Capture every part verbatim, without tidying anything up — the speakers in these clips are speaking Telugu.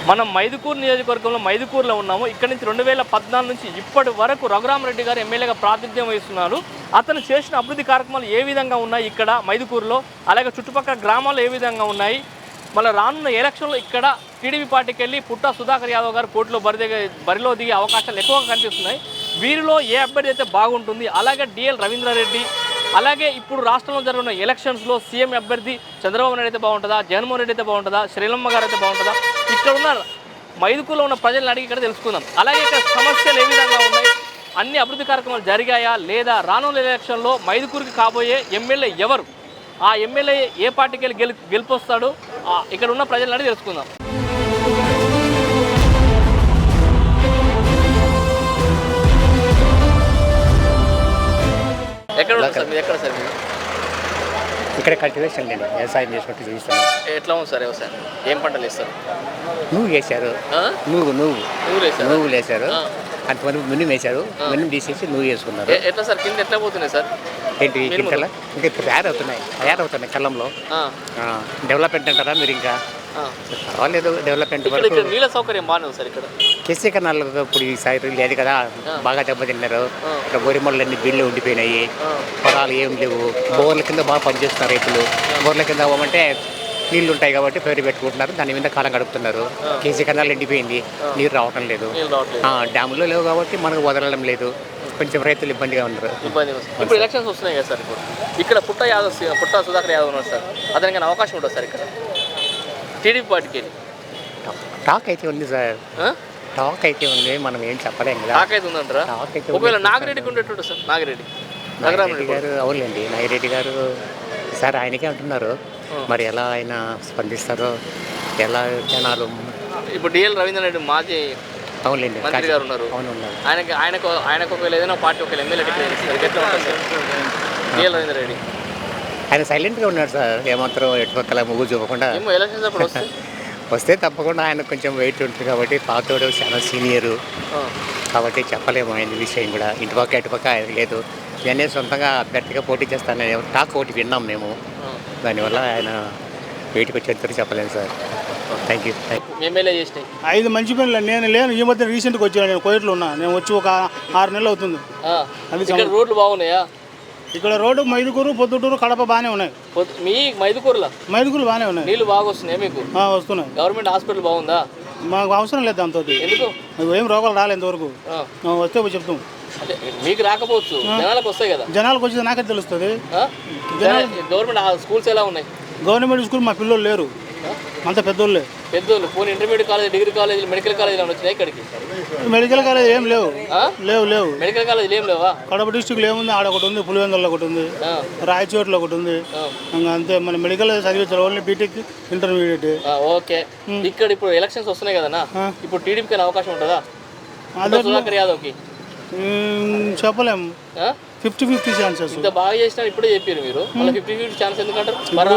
మనం మైదుకూరు నియోజకవర్గంలో మైదుకూరులో ఉన్నాము. ఇక్కడ నుంచి రెండు వేల పద్నాలుగు నుంచి ఇప్పటి వరకు రఘురామరెడ్డి గారు ఎమ్మెల్యేగా ప్రాతినిధ్యం వహిస్తున్నారు. అతను చేసిన అభివృద్ధి కార్యక్రమాలు ఏ విధంగా ఉన్నాయి ఇక్కడ మైదుకూరులో, అలాగే చుట్టుపక్కల గ్రామాలు ఏ విధంగా ఉన్నాయి, మళ్ళీ రానున్న ఎలక్షన్లో ఇక్కడ టీడీపీ పార్టీకి వెళ్ళి పుట్టా సుధాకర్ యాదవ్ గారు పోటీలో బరి బరిలో దిగే అవకాశాలు ఎక్కువగా కనిపిస్తున్నాయి. వీరిలో ఏ అభ్యర్థి అయితే బాగుంటుంది, అలాగే డిఎల్ రవీంద్రారెడ్డి, అలాగే ఇప్పుడు రాష్ట్రంలో జరుగుతున్న ఎలక్షన్స్లో సీఎం అభ్యర్థి చంద్రబాబు నాయుడు అయితే బాగుంటుందా, జగన్మోహన్ రెడ్డి అయితే బాగుంటుందా, శ్రీలమ్మ గారు అయితే బాగుంటుందా, ఇక్కడ ఉన్న మైదుకూరులో ఉన్న ప్రజలను అడిగి ఇక్కడ తెలుసుకుందాం. అలాగే ఇక్కడ సమస్యలు ఏ విధంగా ఉన్నాయి, అన్ని అభివృద్ధి కార్యక్రమాలు జరిగాయా లేదా, రానున్న ఎలక్షన్లో మైదుకూరుకి కాబోయే ఎమ్మెల్యే ఎవరు, ఆ ఎమ్మెల్యే ఏ పార్టీకి వెళ్ళి గెలి గెలిపొస్తాడు, ఇక్కడ ఉన్న ప్రజలను అడిగి తెలుసుకుందాం. ఎక్కడ సార్ మీరు, ఎక్కడ సార్ మీరు? ఇక్కడ కల్టివేషన్ లేదు, వ్యవసాయం చేసుకుంటూ చూపిస్తాను. ఎట్లా ఉంది సార్ వ్యవసాయం, ఏం పంటలు వేస్తారు? నువ్వు వేశారు, నువ్వు నువ్వు నువ్వు వేశారు, అంతమంది మినిమం వేశారు, మినిమం తీసేసి నువ్వు వేసుకున్నారు. ఎట్లా సార్ కింద ఎట్లా పోతున్నాయి సార్? ఏంటి కింద ఇంకా తయారవుతున్నాయి తయారవుతున్నాయి కళ్ళంలో. డెవలప్మెంట్ అంటారా మీరు? ఇంకా పర్వాలేదు డెవలప్మెంట్. నీళ్ళ సౌకర్యం బాగానే ఉంది సార్ ఇక్కడ. కేసీ కన్నాలు ఇప్పుడు ఈసారి లేదు కదా, బాగా దెబ్బతిన్నారు. ఇక్కడ బోరిమొళ్ళన్నీ బిల్లు ఉండిపోయినాయి, పొలాలు ఏం లేవు. బోర్ల కింద బాగా పనిచేస్తున్నారు రైతులు. బోర్ల కింద అవ్వమంటే నీళ్లు ఉంటాయి కాబట్టి పేరు పెట్టుకుంటున్నారు, దాని మీద కాలం గడుపుతున్నారు. కేసీ కన్నాలు ఎండిపోయింది, నీరు రావటం లేదు. డ్యాములు లేవు కాబట్టి మనకు వదలడం లేదు, కొంచెం రైతులు ఇబ్బందిగా ఉన్నారు. ఇప్పుడు ఎలక్షన్స్ వస్తున్నాయి కదా సార్, ఇప్పుడు ఇక్కడ పుట్ట యాదవ్ పుట్ట సుధాకర్ యాదవ్ ఉన్నారు సార్, అతనికి అవకాశం ఉంటుంది సార్ ఇక్కడ టీడీపీ పార్టీకి? టాక్ అయితే ఉంది సార్, టాక్ అయితే ఉంది, మనం ఏం చెప్పలేము కదా. టాక్ అయితే ఉందంటారా? ఒకవేళ నాగిరెడ్డికి ఉండేటట్టు సార్, నాగిరెడ్డి నాగిరెడ్డి గారు అవునండి, నాగిరెడ్డి గారు సార్ ఆయనకే అంటున్నారు, మరి ఎలా ఆయన స్పందిస్తారో, ఎలా జనాలు. ఇప్పుడు డిఎల్ రవీంద్రారెడ్డి మాజీ అవునండి మంత్రి గారు ఉన్నారు, ఆయనకి ఆయనకు ఆయనకు ఒకవేళ ఏదైనా పార్టీ ఒకవేళ ఎమ్మెల్యే టికెట్ ఇస్తారు, ఎట్లా ఉంటుంది సార్ డిఎల్ రవీంద్రారెడ్డి? ఆయన సైలెంట్గా ఉన్నాడు సార్, ఏమాత్రం ఎటుపక్కల ముగ్గు చూపకుండా. ఎలక్షన్స్ అప్పుడు వస్తే వస్తే తప్పకుండా ఆయన కొంచెం వెయిట్ ఉంటుంది కాబట్టి, పాతోడు చాలా సీనియరు కాబట్టి చెప్పలేము ఆయన విషయం కూడా. ఇటుపక్క ఇటుపక్క ఆయన లేదు, నేనే సొంతంగా అభ్యర్థిగా పోటీ చేస్తానని టాక్ ఒకటి విన్నాం మేము, దానివల్ల ఆయన వెయిట్కి వచ్చేంత చెప్పలేము సార్. Thank you. ఎమ్మెల్యే చేసినాయి ఐదు మంచి పనులు నేను లేను, ఈ మధ్య రీసెంట్గా వచ్చాను, నేను కోయిట్లో ఉన్నా, నేను వచ్చి ఒక ఆరు నెలలు అవుతుంది. అది రోడ్లు బాగున్నాయా ఇక్కడ? రోడ్డు మైదుకూరు, పొద్దుటూరు, కడప బాగానే ఉన్నాయి. మీ మైదుకూరులో మైదుకూరు బాగానే ఉన్నాయి, నీళ్ళు బాగా వస్తున్నాయి మీకు? వస్తున్నాయి. గవర్నమెంట్ హాస్పిటల్ బాగుందా? మాకు అవసరం లేదు దాంతో. ఎందుకు? ఏం రోగాలు రాలేదు ఇంతవరకు, వస్తే చెప్తాం. మీకు రాకపోవచ్చు, జనాలకు వస్తాయి కదా. జనాలకు వచ్చేది నాకే తెలుస్తుంది. గవర్నమెంట్ స్కూల్స్ ఎలా ఉన్నాయి? గవర్నమెంట్ స్కూల్ మా పిల్లలు లేరు, అంత పెద్దోళ్ళే. పెద్దోళ్ళు పోనీ intermediate college, degree college, medical college వచ్చినాయి ఇక్కడికి? మెడికల్ కాలేజ్ ఏం లేవు, లేవు లేవు మెడికల్ కాలేజ్ ఏం లేవా? కడప డిస్టిక్లో ఏముంది, ఆడ ఒకటి ఉంది, పులివెందులలో ఒకటి ఉంది, రాయచోట్లో ఒకటి ఉంది, ఇంకా అంతే. మన మెడికల్ చదివించారు, ఓన్లీ బీటెక్ ఇంటర్మీడియట్. ఓకే. ఇక్కడ ఇప్పుడు ఎలక్షన్స్ వస్తున్నాయి కదన్నా, ఇప్పుడు టీడీపీకి అవకాశం ఉంటుందా సుధాకర్ యాదవ్కి? చెప్పలేము, ఫిఫ్టీ ఫిఫ్టీ ఛాన్సెస్. ఇంత బాగా చేసినా ఇప్పుడే చెప్పారు మీరు, మళ్ళీ ఫిఫ్టీ ఫిఫ్టీ ఛాన్స్ ఎందుకంటారు?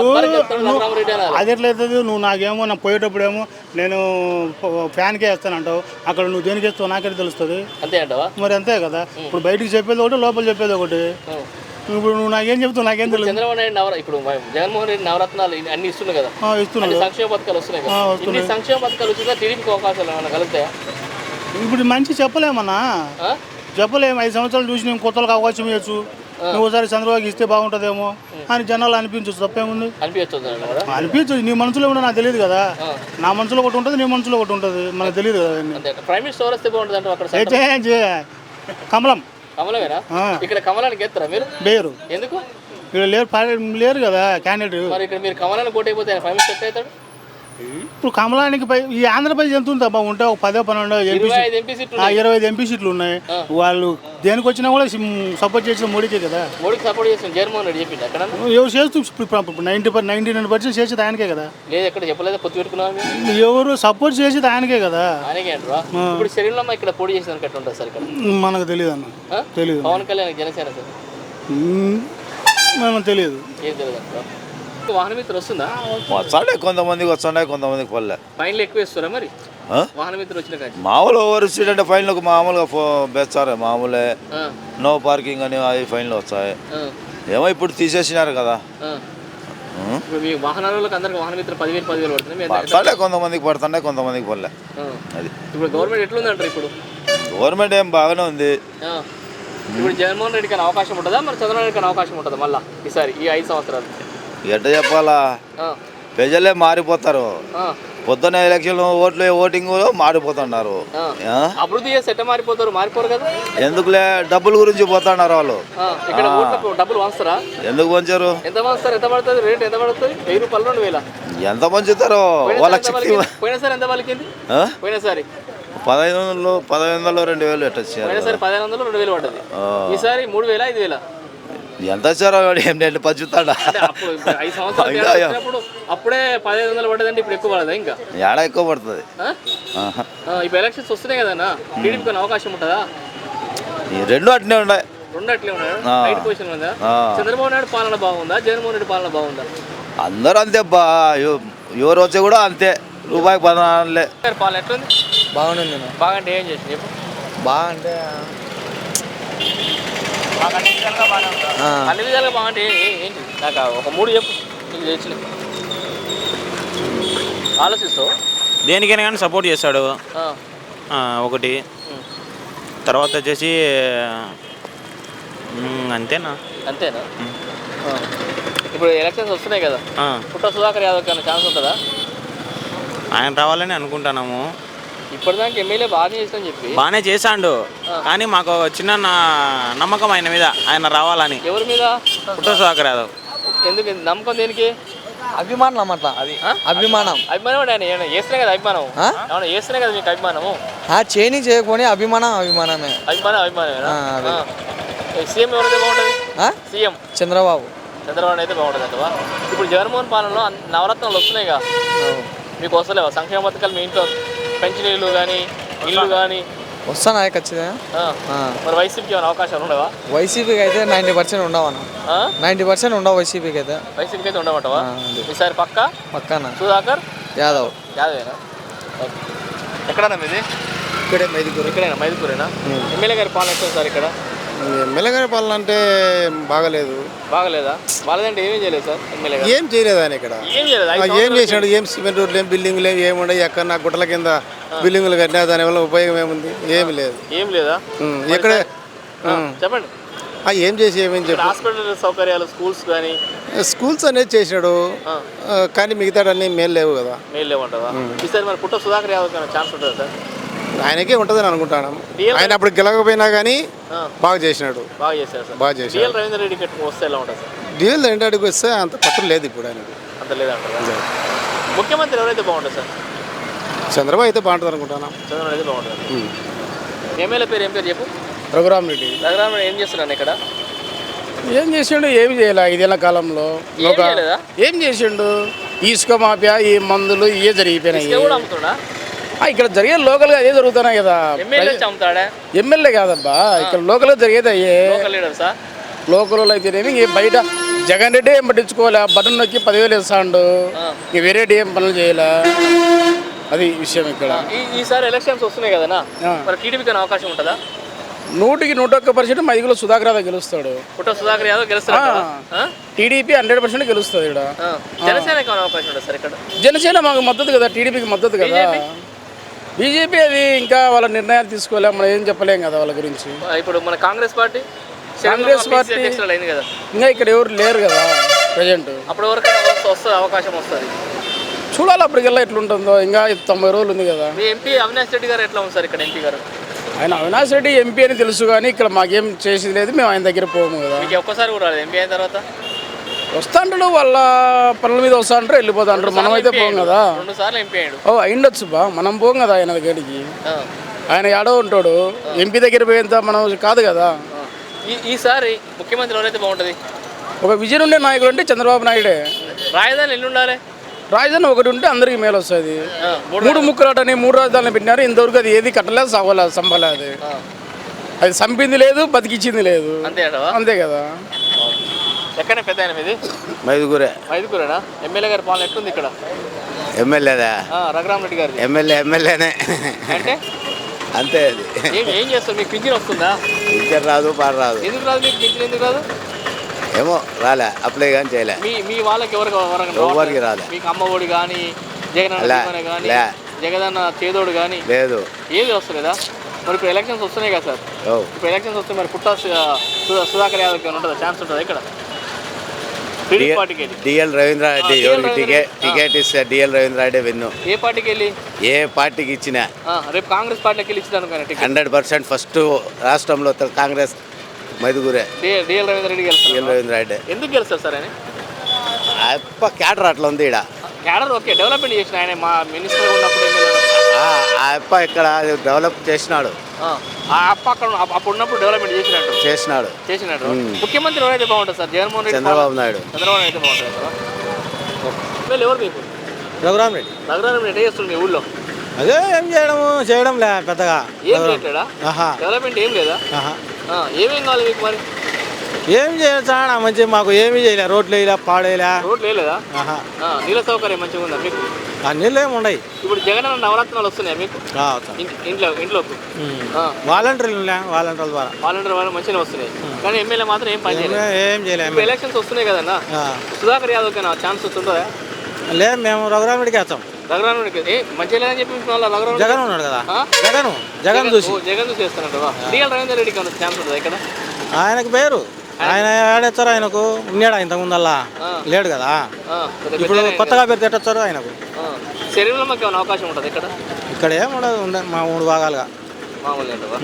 అది ఎట్లయితుంది? నువ్వు నాకేమో నా పోయేటప్పుడేమో నేను ఫ్యాన్కే వేస్తానంటావు, అక్కడ నువ్వు దేనికి వేస్తావు నాకే తెలుస్తుంది. అంతే అంటావా? మరి అంతే కదా. ఇప్పుడు బయటికి చెప్పేది ఒకటి, లోపల చెప్పేది ఒకటి. ఇప్పుడు నువ్వు నాకేం చెప్తావు నాకేం తెలుసు. చంద్రబాబు నాయుడు నవర ఇప్పుడు జగన్మోహన్ రెడ్డి నవరత్నాలు అన్ని ఇస్తున్నాయి కదా, ఇస్తున్నాయి. సంక్షేమ పథకాలు వస్తున్నాయి కదా, ఇన్ని సంక్షేమ పథకాలు వచ్చినా టీడీపీకి అవకాశాలు ఏమైనా కలుగుతాయా? ఇప్పుడు మంచి చెప్పలేమన్నా, చెప్పలేము. ఐదు సంవత్సరాలు చూసి నేను కొత్తలకు అవకాశం ఇవ్వచ్చు, నువ్వు ఒకసారి చంద్రబాబుకి ఇస్తే బాగుంటుందేమో అని జనాలు అనిపించచ్చు. తప్పేముంది? అనిపించదు. నీ మనసులో కూడా నాకు తెలియదు కదా, నా మనసులో ఒకటి ఉంటుంది, నీ మనసులో ఒకటి ఉంటుంది, మనకు తెలియదు కదా. ప్రైమ్ మినిస్టర్ వస్తే బాగుంటుంది. అయితే కమలం కమలమేనా? ఇక్కడ కమలానికి ఎత్తారా మీరు? లేరు. ఎందుకు? ఇక్కడ లేరు, లేరు కదా క్యాండిడేట్. మరి ఇక్కడ మీరు కమలానికి ఓటు అయిపోతే ప్రైమ్ మినిస్టర్ అవుతాడు. ఇప్పుడు కమలానికి పై ఈ ఆంధ్రప్రదేశ్ ఎంత ఉందా ఉంటే ఒక పదో పన్నెండు ఇరవై ఐదు ఎంపీ సీట్లు ఉన్నాయి. వాళ్ళు దేనికి వచ్చినా కూడా సపోర్ట్ చేసిన మోడీకే కదా. మోడీకి సపోర్ట్ చేసిన జగన్మోహన్ రెడ్డి చెప్పింది అక్కడ ఎవరు చేస్తూ నైన్టీ నైన్టీ నైన్ పర్సెంట్ చేసేది ఆయనకే కదా. లేదు ఎక్కడ చెప్పలేదు, పొత్తు పెట్టుకున్నాను. ఎవరు సపోర్ట్ చేసేది ఆయనకే కదా. ఆయనకే అంటారా? ఇప్పుడు శరీరంలో ఇక్కడ పోటీ చేసిన ఎట్లా ఉంటుంది సార్ ఇక్కడ? మనకు తెలియదు అన్న, తెలియదు. పవన్ కళ్యాణ్ జనసేన సార్ మనకు తెలియదు, ఏం తెలియదు అంటారా? వాహన మిత్రులు వస్తుందా? వస్తాడే, కొంతమందికి వస్తున్నాయి, కొంతమందికి పల్లె. ఫైన్లు ఎక్కువ ఇస్తారా మరి వాహన మిత్రులు వచ్చిన కానీ? మామూలు ఓవర్ స్పీడ్ అంటే ఫైన్లకు మామూలుగా బెచ్చారు, మామూలే. నో పార్కింగ్ అని అవి ఫైన్లు వస్తాయి. ఏమో ఇప్పుడు తీసేసినారు కదా, ఇప్పుడు మీ వాహనాలకు అందరికి వాహన మిత్ర పదివేలు పదివేలు పడుతుంది మీ ఎంత- పడతాడే కొంతమందికి పడుతుండే కొంతమందికి పడలే ఆ. అది ఇప్పుడు గవర్నమెంట్ ఎట్లుందంటారు ఇప్పుడు గవర్నమెంట్ ఏం బాగానే ఉంది. ఆ. ఇప్పుడు జగన్మోహన్ రెడ్డికి అయినా అవకాశం ఉంటుందా మరి చంద్రబాబు నాయుడుకి అయినా అవకాశం ఉంటుందా మళ్ళీ ఈసారి ఈ ఐదు సంవత్సరాలు ఎట్ట చెప్పాలా ఆ. ప్రజలే మారిపోతారు. ఆ. పొద్దున్న ఎలక్షన్ ఓట్లు ఓటింగ్ మారిపోతున్నారు. ఆ. ఆ? అభివృద్ధి చేసి ఎట్ట మారిపోతారు మారిపోరు కదా ఎందుకులే డబ్బుల గురించి పోతున్నారు వాళ్ళు. ఆ. ఇక్కడ ఓట్లకు డబ్బులు వంచుతారా ఎందుకు పంచారు? ఎంత వంచుతారు ఎంత పడుతుంది రేట్ ఎంత పడుతుంది వెయ్యి రూపాయలు రెండు వేల ఎంత పంచుతారో వాళ్ళకి శక్తి. పోయినసారి ఎంత పలికింది ఆ? పోయినసారి పదహైదు వందలు పదహైదు వందలు రెండు వేలు ఎట్ట వచ్చారు? పోయినసారి పదిహేను వందలు రెండు వేలు పడ్డది ఆ. ఈసారి మూడు వేల ఐదు వేల ఎంత వచ్చారో వాడు ఏం నేను పంచుతాడా? అంటే అప్పుడు ఇప్పుడు ఐదు సంవత్సరాలు తేడా వచ్చినప్పుడు అప్పుడే పదిహేను వందలు పడ్డదంటే ఇప్పుడు ఎక్కువ పడదా ఇంకా ఏడ ఎక్కువ పడుతుంది. ఆ? ఆహా. ఆ, ఇప్పుడు ఎలక్షన్స్ వస్తున్నాయి కదన్నా టీడీపీకి అవకాశం ఉంటుందా ఈ రెండు అట్నే ఉన్నాయి. రెండు అట్లే ఉన్నాడు ఆ. రైట్ పొజిషన్ ఉందా ఆ. చంద్రబాబు నాయుడు పాలన బాగుందా జగన్మోహన్ రెడ్డి పాలన బాగుందా అందరూ అంతే బా ఎవ- ఎవరు వచ్చి కూడా అంతే రూపాయికి పదనాలుగులే. గారి పాలన ఎట్లుంది బాగుంది బాగా అంటే ఏం చేసింది చెప్పు బాగా అంటే ఆ, అన్ని విధాలుగా బాగుంటే ఏ- ఏ- ఏంటి నాకు ఆ ఒక మూడు చెప్పు నీకు తెచ్చిన ఆలోచిస్తావు దేనికైనా కానీ సపోర్ట్ చేస్తాడు. ఆ. ఆ, ఒకటి ఉమ్. తర్వాత వచ్చేసి మ్, అంతేనా అంతేనా ఆ. ఇప్పుడు ఎలక్షన్స్ వస్తున్నాయి కదా ఆ, పుట్ట సుధాకర్ యాదవ్ కన్నా ఛాన్స్ ఉంటుందా ఆయన రావాలని అనుకుంటున్నాము. ఇప్పటిదాకా ఎమ్మెల్యే బాగా చేస్తామని చెప్పి బాగానే చేశాడు కానీ మాకు చిన్న నా- నమ్మకం ఆయన మీద, ఆయన రావాలని. ఎవరి మీద పుట్ట సుధాకర్ యాదవ్ ఎందుకు నమ్మకం దేనికి అభిమానం అట్లా అది అభిమానం అభిమానం అంటే ఆయన ఏమైనా చేస్తేనే కదా అభిమానం ఆ? ఏమన్నా చేస్తేనే కదా మీకు అభిమానము ఆ చేయని చేయకపోని అభిమానం అభిమానమే అభిమానం అభిమానమేనా ఆ, అదే. ఆ. సీఎం ఎవరైతే బాగుంటుంది ఆ? సీఎం చంద్రబాబు చంద్రబాబు అయితే బాగుంటుంది అంటవా ఇప్పుడు జగన్మోహన్ పాలనలో అన్- నవరత్నాలు వస్తున్నాయిగా మీకు వస్తలేవా సంక్షేమ పథకాలు మీ ఇంట్లో పెన్షన్లు కానీ ఇల్లు కానీ వస్తానా ఖచ్చితంగా ఆ. మరి వైసీపీకి ఏమైనా అవకాశాలు ఉండవా వైసీపీకి అయితే నైంటీ పర్సెంట్ ఉండవన్న ఆ? నైంటీ పర్సెంట్ ఉండవు వైసీపీకి అయితే వైసీపీకి అయితే ఉండమంటావా ఆ, అదే. ఈసారి పక్క పక్కన సుధాకర్ యాదవ్ యాదవేనా ఓకే. ఎక్కడన్నా మీది ఇక్కడే మైదుకూరు ఇక్కడేనా మైదుకూరేనా ఎమ్మెల్యే గారి పాలన ఎట్లా సార్ ఇక్కడ ఎమ్మెల్యే గారి పాలన అంటే బాగలేదు. బాగలేదా బాగలేదంటే ఏమేం చేయలేదు సార్ ఎమ్మెల్యే గారు ఏం చేయలేదు ఆయన ఇక్కడ. ఏం చేయలేదు ఆ, ఐదు ఏం సంవత్సరాలు చేసినాడు? ఏం సిమెంట్ రోడ్లు ఏం బిల్డింగ్లు ఏం ఏముండవు. ఎక్కడ నా గుట్టల కింద బిల్డింగులు కట్టినా దానివల్ల ఉపయోగం ఏముంది? ఏమి లేదు. ఏం లేదా ఉం, ఎక్కడ ఆ, చెప్పండి ఆ, ఏం చేసి ఏమేం ఇక్కడ చెప్పు. హాస్పిటల్ సౌకర్యాలు స్కూల్స్ కానీ స్కూల్స్ అనేది చేసినాడు ఆ. ఆ, కానీ మిగతా అన్నీ మేలు లేవు కదా. మెయిల్ లేవంటావా ఈసారి మరి పుట్ట సుధాకర్ యాదవ్ కానీ ఛాన్స్ ఉంటుందా సార్ ఆయనకే ఉంటుందని అనుకుంటాను. డిఎల్ ఆయన అప్పుడు గెలవకపోయినా కానీ ఆ, బాగా చేసినాడు. బాగా చేశారు సార్ బాగా చేశాడు. డిఎల్ రవీంద్ర రెడ్డి కట్టుకు వస్తే ఎలా ఉంటుంది సార్ డీఎల్ రెండు అడుగు వస్తే అంత పట్టు లేదు ఇప్పుడు ఆయనకు. అంత లేదంటారా ముఖ్యమంత్రి ఎవరైతే బాగుంటుంది సార్ చంద్రబాబు అయితే బాగుంటుంది అనుకుంటాను. చంద్రబాబు అయితే బాగుంటుంది ఎమ్మెల్యే పేరు ఏం పేరు చెప్పు రఘురామ్ రెడ్డి రఘురామ ఏం చేస్తున్నాను ఇక్కడ ఏం చేసిండు? ఏమి చేయలే ఐదేళ్ల కాలంలో. ఏం ఒక చేయలేదా ఏం చేసిండు? ఇసుక మాఫియా, ఈ మందులు ఇవే జరిగిపోయినాయి. ఇసుక కూడా అమ్ముతున్నా ఆ, ఇక్కడ జరిగే లోకల్గా అదే జరుగుతున్నాయి కదా. ఎమ్మెల్యే అమ్ముతాడా ఎమ్మెల్యే కాదబ్బా, ఇక్కడ లోకల్గా జరిగేది అయ్యే. లోకల్ లీడర్ సార్ లోకల్ అయితేనేమి ఇంక బయట జగన్ రెడ్డి ఏం పట్టించుకోలే. బటన్ నొక్కి పదివేలు ఇస్తాడు. ఇంక వేరేటి ఏం పనులు చేయలే. అది విషయం ఇక్కడ. ఈ- ఈసారి ఎలక్షన్స్ వస్తున్నాయి కదనా ఆ. మరి టీడీపీకి అవకాశం ఉంటుందా నూటికి నూట ఒక్క పర్సెంట్ మైదుగులో సుధాకర్ యాదవ్ గెలుస్తాడు. పుట్ట సుధాకర్ యాదవ్ గెలుస్తారా టీడీపీ హండ్రెడ్ పర్సెంట్ గెలుస్తుంది ఇక్కడ. జనసేనకి ఏమైనా అవకాశం ఉంటుంది సార్ ఇక్కడ జనసేన మాకు మద్దతు కదా, టీడీపీకి మద్దతు కదా. బీజేపీ? బీజేపీ అది ఇంకా వాళ్ళ నిర్ణయాలు తీసుకోలేం, మనం ఏం చెప్పలేం కదా వాళ్ళ గురించి. ఇప్పుడు మన కాంగ్రెస్ పార్టీ కాంగ్రెస్ పార్టీ అధ్యక్షురాలు అయింది కదా ఇంకా ఇక్కడ ఎవరు లేరు కదా ప్రజెంట్. అప్పుడు ఎవరికైనా వస్తే- వస్తుంది అవకాశం వస్తుంది చూడాలి అప్పటికెల్లా ఎట్లుంటుందో. ఇంకా తొంభై రోజులు ఉంది కదా. మీ ఎంపీ అవినాష్ రెడ్డి గారు ఎట్లా ఉంది సార్ ఇక్కడ ఎంపీ గారు ఆయన అవినాష్ రెడ్డి ఎంపీ అని తెలుసు కానీ ఇక్కడ మాకేం చేసేది లేదు, మేము ఆయన దగ్గర పోము కదా. మీకు ఒక్కసారి కూడా రాలేదు ఎంపీ అయిన తర్వాత వస్తా అంటాడు, వాళ్ళ పనుల మీద వస్తా అంటారు, వెళ్ళిపోతా అంటారు. మనం అయితే పోం కదా. రెండు సార్లు ఎంపీ అయ్యాడు ఓ అయిండొచ్చు బా, మనం పోం కదా ఆయన దగ్గరికి. ఆ. ఆయన ఏడో ఉంటాడు, ఎంపీ దగ్గర పోయేంత మనం కాదు కదా. ఈ ఈసారి ముఖ్యమంత్రి ఎవరైతే బాగుంటుంది ఒక విజయం ఉండే నాయకుడు అంటే చంద్రబాబు నాయుడే. రాజధాని ఎల్లు ఉండాలి రాజధాని ఒకటి ఉంటే అందరికి మేలు వస్తుంది. ఆ, మూడు మూడు ముక్కలాటని మూడు రాజధానులు పెట్టినారు, ఇంతవరకు అది ఏది కట్టలేదు, సవ్వలేదు, సంపలేదు. ఆ. అది సంపింది లేదు, బతికిచ్చింది లేదు. అంతే అంటవా అంతే కదా. ఎక్కడ పెద్ద ఆయన మీది మైదుగురే ఐదుగురేనా ఎమ్మెల్యే గారి పాలన ఎట్లుంది ఇక్కడ ఎమ్మెల్యేదా? ఆ, రఘురామ్ రెడ్డి గారి ఎమ్మెల్యే ఎమ్మెల్యేనే అంటే అంతే. అది ఏం ఏం చేస్తారు మీకు పింఛన్ వస్తుందా పింఛన్ రాదు పాడు రాదు. ఎందుకు రాదు మీకు పింఛన్ ఎందుకు రాదు ఏమో రాలే అప్లై కానీ చేయలే మీ మీ వాళ్ళకి ఎవరికి ఎవరికి ఎవరికి రాలే. మీకు అమ్మఒడి కానీ జగనన్న లే, దీవెన కానీ లే. జగనన్న చేదోడు కానీ లేదు ఏది వస్తలేదా? మరి ఇప్పుడు ఎలక్షన్స్ వస్తున్నాయి కదా సార్, ఓ ఇప్పుడు ఎలక్షన్స్ వస్తే మరి పుట్టా సు- సు- సుధాకర్ యాదవ్కి ఏమైనా ఉంటుందా, ఛాన్స్ ఉంటుందా ఇక్కడ టీడీపీ పార్టీకి వెళ్ళి? డిఎల్ రవీంద్రారెడ్డి ఆ, ఎవరికి డిఎల్ టికెట్ రవీంద్ర- టికెట్ ఇస్తే డిఎల్ రవీంద్రారెడ్డి విన్ను ఏ పార్టీకి వెళ్ళి? ఏ పార్టీకి ఇచ్చినా ఆ, రేపు కాంగ్రెస్ పార్టీకి వెళ్ళి ఇచ్చిన అనుకోండి టికెట్. హండ్రెడ్ పర్సెంట్ ఫస్ట్ రాష్ట్రంలో తె- Congress మైదుగురే D- DL Ravindra Reddy DL గెలుస్తారు. రవీంద్రారెడ్డి ఎందుకు గెలుస్తారు సార్ ఆయన? అప్ప క్యాటర్ అట్లా ఉంది ఈడ క్యాడర్ ఓకే, డెవలప్మెంట్ చేసిన ఆయన మా మినిస్టర్ ఉన్నప్పుడు ఎమ్మెల్యే. ఆ ఆ అప్ప ఇక్కడ డెవలప్ చేసినాడు ఆ, ఆ అప్ప అక్కడ ఉన్న- అప్పుడు ఉన్నప్పుడు డెవలప్మెంట్ చేసినట్టు చేసినాడు చేసినట్టు మ్మ్. ముఖ్యమంత్రి ఎవరైతే బాగుంటుంది సార్? జగన్మోహన్ రెడ్డి చంద్రబాబు నాయుడు చంద్రబాబు నాయుడు అయితే బాగుంటుంది కదా. వీళ్ళు ఎవరు మీకు? రఘురామ్ రెడ్డి నగరాన్ని ఎట్లా చేస్తుంది మీ ఊళ్ళో? అదే ఏం చేయడము చేయడం లే పెద్దగా ఏం చేయట్లేదా? ఆహా డెవలప్మెంట్ ఏం లేదా? ఆహా ఆ, ఏమేం కావాలి మీకు మరి? ఏం చేయాలి చాలా మంచి మాకు ఏమీ చేయలే రోడ్లు వేయలే పాడేయలే రోడ్లు వేయలేదా? ఆహా ఆ, నీళ్ళ సౌకర్యం మంచిగా ఉందా మీకు? ఆ నీళ్ళు ఏమి ఉండయి ఇప్పుడు జగన్ అన్న నవరత్నాలు వస్తున్నాయి మీకు ఇంటి- ఇంట్లో ఇంట్లోకి? ఆ, వాలంటీర్లు వాలంటీర్ల ద్వారా వాలంటీర్ వాళ్ళు మంచిగా వస్తున్నాయి, కానీ ఎమ్మెల్యే మాత్రం ఏం పని చేయలేదు. ఏం చేయలేము ఇప్పుడు ఎలక్షన్స్ వస్తున్నాయి కదన్నా, సుధాకర్ యాదవ్కి నా ఛాన్స్ వస్తుందా? లేదు మేము రఘురామ్ రెడ్డికి వేస్తాం రఘురాముడికి ఏ మంచిగా లేదని చెప్పి వాళ్ళ రఘురాముడు జగన్ ఉన్నాడు కదా ఆ? జగన్ జగన్ చూసి ఓ, జగన్ చూసి చేస్తానంట. డిఎల్ రవీంద్ర రెడ్డికి ఏమైనా ఛాన్స్ ఉంటుందా ఇక్కడ? ఆయనకు పేరు ఆయన ఏడేస్తారు ఆయనకు ఉన్నాడు ఇంతకు ముందల్లా ఆ. లేడు కదా ఆ, పెద్ద ఇప్పుడు పెద్ద ఆయన కొత్తగా పేరు తెట్టొచ్చారు ఆయనకు ఆ, శరీరంలో మాకు ఏమైనా అవకాశం ఉంటుంది ఇక్కడ? ఇక్కడ ఏం ఉండదు ఉండే మా మూడు భాగాలుగా మామూలుగా ఉంటుందా?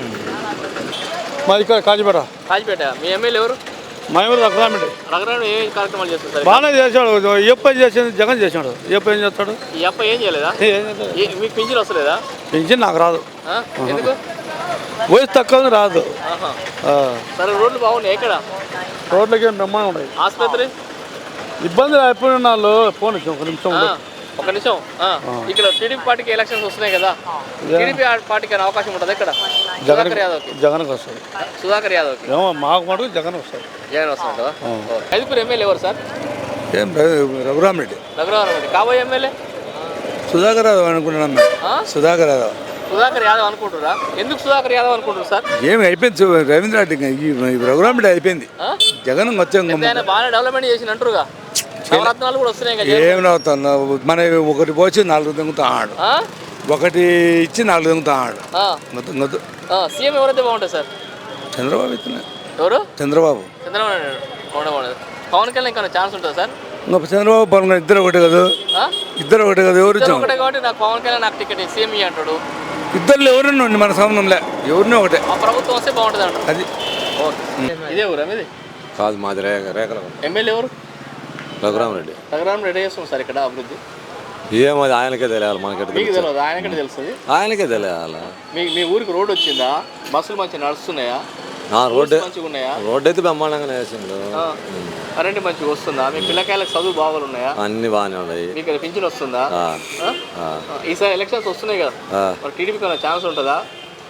మాది ఇక్కడ కాజీపేట కాజిపేట. మీ ఎమ్మెల్యే ఎవరు? మా ఎవరు రఘురామిడి రఘురాముడు ఏ కార్యక్రమాలు చేస్తారు సార్? బాగానే చేశాడు ఏ పని చేసింది జగన్ చేశాడు ఏ పని చేస్తాడు ఈ అప్ప ఏం చేయలేదా? ఏ- మీకు పింఛన్ వస్తలేదా? పెన్షన్ నాకు రాదు ఆ? ఎందుకు? వయసు తక్కువ రాదు ఆహా. ఆ. సరే, రోడ్లు బాగున్నాయి ఎక్కడ? రోడ్లకి ఏం బ్రహ్మాండం ఉన్నాయి ఆసుపత్రి? ఇబ్బందులు అయిపోయిన వాళ్ళు ఫోన్ ఇచ్చాం ఒక నిమిషం ఆ, ఒక నిమిషం. ఆ, ఇక్కడ టీడీపీ పార్టీకి ఎలక్షన్స్ వస్తున్నాయి కదా, టీడీపీ పార్టీకి అయినా అవకాశం ఉంటుంది ఇక్కడ? జగన్ సుధాకర్ యాదవ్కి జగన్కి వస్తుంది సుధాకర్ యాదవ్కి ఏమో మాకు మటుకు జగన్ వస్తుంది జగన్ వస్తుందా? ఐదుగురు ఎమ్మెల్యే ఎవరు సార్? ఏం రఘురామ్ రెడ్డి రఘురామ రెడ్డి. కాబోయే ఎమ్మెల్యే సుధాకర్ యాదవ్ అనుకుంటున్నాం ఆ? సుధాకర్ యాదవ్ సుధాకర్ యాదవ్ అనుకుంటురా? ఎందుకు సుధాకర్ యాదవ్ అనుకుంటారు సార్? ఏమి అయిపోయింది రవీంద్ర రెడ్డి రఘురామ్ రెడ్డి అయిపోయింది ఆ? జగన్ వచ్చాం పెద్ద ఆయన బాగానే డెవలప్మెంట్ చేసిన అంటారుగా, నవరత్నాలు కూడా వస్తున్నాయి కదా. ఏమి అవుతాను మన ఒకటి పోసి నాలుగు దొంగతా ఆడు ఆ? ఒకటి ఇచ్చి నాలుగు దొంగతా ఆడు ఆ. మొత్తం గొద్దు ఆ, సీఎం ఎవరైతే బాగుంటుంది సార్? చంద్రబాబు ఇస్తున్నా ఎవరు? చంద్రబాబు చంద్రబాబు నాయుడు బాగుండే బాగుండదు. పవన్ కళ్యాణ్ ఇంకా ఛాన్స్ ఉంటుంది సార్? ఇంకా చంద్రబాబు పవన్ కళ్యాణ్ ఇద్దరు ఒకటే కదా ఆ? ఇద్దరు ఒకటే కదా ఎవరు ఇద్దరు ఇచ్చాం ఒకటే కాబట్టి నాకు పవన్ కళ్యాణ్ నాకు టికెట్ సీఎం ఇయ్యి అంటాడు. ఇద్దరు ఎవరిని ఉండి మన సంబంధంలే ఎవరిని ఒకటే ఆ ప్రభుత్వం వస్తే బాగుంటుంది అంటారు. అది ఓకే. ఇదే ఊరా మీది? కాదు మాది రేఖ రేఖల ఎమ్మెల్యే ఎవరు? రఘురామరెడ్డి రఘురామ్ రెడ్డి చేస్తుంది సార్ ఇక్కడ అభివృద్ధి? ఏమో అది ఆయనకే తెలియాలి మనకెట్ మీకు తెలియదు, ఆయనకంటే తెలుస్తుంది. ఆయనకే తెలియాలి. మీ మీ ఊరికి రోడ్ వచ్చిందా? బస్సులు మంచిగా నడుస్తున్నాయా? నా రోడ్డు మంచిగా ఉన్నాయా? రోడ్డు అయితే బ్రహ్మాండంగానే వేసిండు. ఆ. కరెంట్ మంచిగా వస్తుందా? మీ పిల్లకాయలకు చదువు బాగా ఉన్నాయా? అన్ని బాగానే ఉన్నాయి. మీకు పింఛన్ వస్తుందా? ఆ, ఆ? ఆ, ఆ, ఈసారి ఎలక్షన్స్ వస్తున్నాయి కదా, ఆ. మరి టీడీపీకి ఏమైనా ఛాన్స్ ఉంటుందా?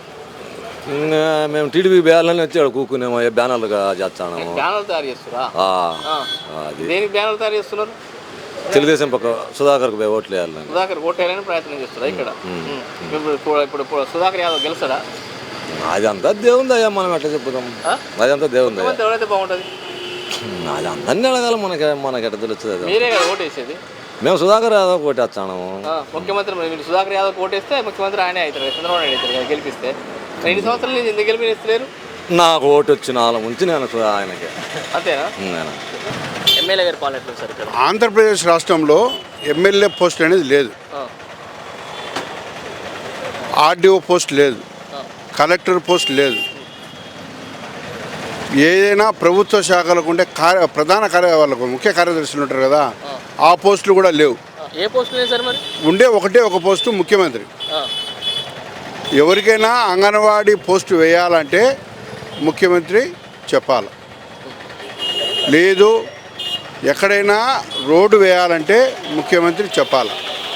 ఇంకా మేము టీడీపీ బ్యానర్లని వచ్చాడు కూకునేమో బ్యానర్లుగా చేస్తాము. బ్యానర్ తయారు చేస్తురా? అది దేనికి బ్యానర్ తయారు చేస్తున్నారు? తెలుగుదేశం పక్క సుధాకర్కి పోయి ఓట్లు వేయాలని. సుధాకర్ ఓటేయాలని ప్రయత్నం చేస్తురా ఇక్కడ? ఉమ్. ఇప్పుడు ఇప్పుడు ఇప్పుడు ఇప్పుడు సుధాకర్ యాదవ్ గెలుస్తాడా? అదంతా దేవుంది అయ్యా, మనం ఎట్లా చెప్పుదాం. ఆ? అదంతా దేవుంది అయ్యా. ముఖ్యమంత్రి ఎవరైతే బాగుంటుంది? అది అందరినీ అడగాలి, మనకి మనకి ఎట్లా తెలుస్తుంది అది. మీరే కదా ఓటేసేది? మేము సుధాకర్ యాదవ్ కొట్టేస్తాము. ఆ, ముఖ్యమంత్రి మరి మీరు సుధాకర్ యాదవ్ ఓటేస్తే ముఖ్యమంత్రి ఆయనే అవుతారు కదా, చంద్రబాబు నాయుడు అవుతారు కదా గెలిపిస్తే. ఎన్ని సంవత్సరాలు నుంచి ఎందుకు గెలిపిస్తలేరు? నాకు ఓటు వచ్చిన వాళ్ళ ముంచి నేను సు- ఆయనకి అంతేనా? నేను ఎమ్మెల్యే గారి పాలన ఎట్లా ఉంది సార్ ఇక్కడ? ఆంధ్రప్రదేశ్ రాష్ట్రంలో ఎమ్మెల్యే పోస్ట్ అనేది లేదు, ఆ, ఆర్డీఓ పోస్ట్ లేదు, ఆ, కలెక్టర్ పోస్ట్ లేదు. ఏదైనా ప్రభుత్వ శాఖలకు ఉండే కార్య ప్రధాన కార్య వాళ్ళకు ముఖ్య కార్యదర్శులు ఉంటారు కదా, ఆ పోస్టులు కూడా లేవు. ఆ. ఏ పోస్ట్ లేదు సార్ మరి? ఉండే ఒకటే ఒక పోస్టు ముఖ్యమంత్రి. ఆ, ఎవరికైనా అంగన్వాడీ పోస్టు వేయాలంటే ముఖ్యమంత్రి చెప్పాలి, లేదు ఎక్కడైనా రోడ్డు వేయాలంటే ముఖ్యమంత్రి చెప్పాలి.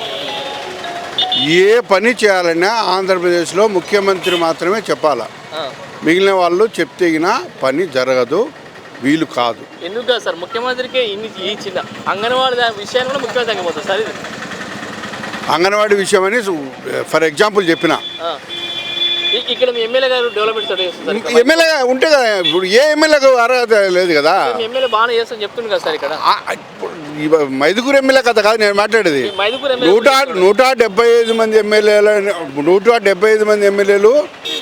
ఏ పని చేయాలన్నా ఆంధ్రప్రదేశ్లో ముఖ్యమంత్రి మాత్రమే చెప్పాలి. ఆ. మిగిలిన వాళ్ళు చెప్తే గిన పని జరగదు, వీలు కాదు. ఎందుకు కాదు సార్? ముఖ్యమంత్రికే ఇన్ని ఈ చిన్న అంగన్వాడీ దా- విషయాన్ని కూడా ముఖ్యమంత్రి తగ్గిపోతుంది సార్ ఇది. అంగన్వాడీ విషయం అని ఫర్ ఎగ్జాంపుల్ చెప్పిన ఆ, ఇ- ఇక్కడ మీ ఎమ్మెల్యే గారు డెవలప్మెంట్ స్టడీ చేస్తారు ఇక్కడ. ఎమ్మెల్యే ఉంటే కదా ఇప్పుడు ఏ ఎమ్మెల్యేకు అర్హత లేదు కదా. మీ ఎమ్మెల్యే బాగానే చేస్తాను చెప్తుంది కదా సార్ ఇక్కడ. ఆ, ఇప్పుడు ఈ మైదుగురు ఎమ్మెల్యే కథ కాదు నేను మాట్లాడేది. ఈ మైదుకూరు ఎమ్మెల్యే నూట నూట డెబ్బై ఐదు మంది ఎమ్మెల్యేలు నూట డెబ్బై ఐదు మంది ఎమ్మెల్యేలు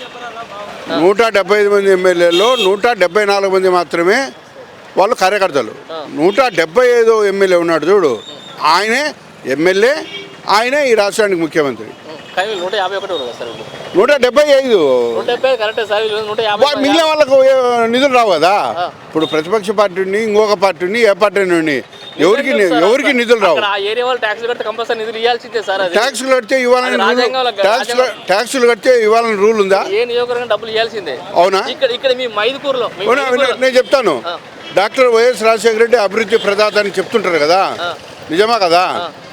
నూట డెబ్బై ఐదు మంది ఎమ్మెల్యేలు నూట డెబ్బై నాలుగు మంది మాత్రమే వాళ్ళు కార్యకర్తలు. నూట డెబ్బై ఐదు ఎమ్మెల్యే ఉన్నాడు చూడు, ఆయనే ఎమ్మెల్యే, ఆయనే ఈ రాష్ట్రానికి ముఖ్యమంత్రి. కానీ వీళ్ళు నూట యాభై ఒకటి ఉంది సార్ వీళ్ళు. నూట డెబ్బై ఐదు నూట డెబ్బై కరెక్టే సార్, వీళ్ళు నూట యాభై వా- మిగిలిన వాళ్ళకు ఏ నిధులు రావు కదా. ఇప్పుడు ప్రతిపక్ష పార్టీని ఇంకొక పార్టీని ఏ పార్టీ నుండి ఎవరికి ఎవరికి నిధులు రావు. అక్కడ ఆ ఏరియా వాళ్ళు ట్యాక్స్ కడితే కంపల్సరీ నిధులు ఇవ్వాల్సిందే సార్. అది ట్యాక్సులు కడితే ఇవ్వాలని అది రాజ్యాంగంలో- ట్యాక్సులు ట్యాక్సులు కడితే ఇవ్వాలని రూల్ ఉందా? ఏ నియోజకవర్గం డబ్బులు ఇవ్వాల్సిందే. అవునా? ఇక్కడ ఇక్కడ మీ మైదుకూరులో మీ అవునా? మైదుకూరులో- నేను చెప్తాను, డాక్టర్ వైఎస్ రాజశేఖర రెడ్డి అభివృద్ధి ప్రదాత అని చెప్తుంటారు కదా, నిజమా కదా?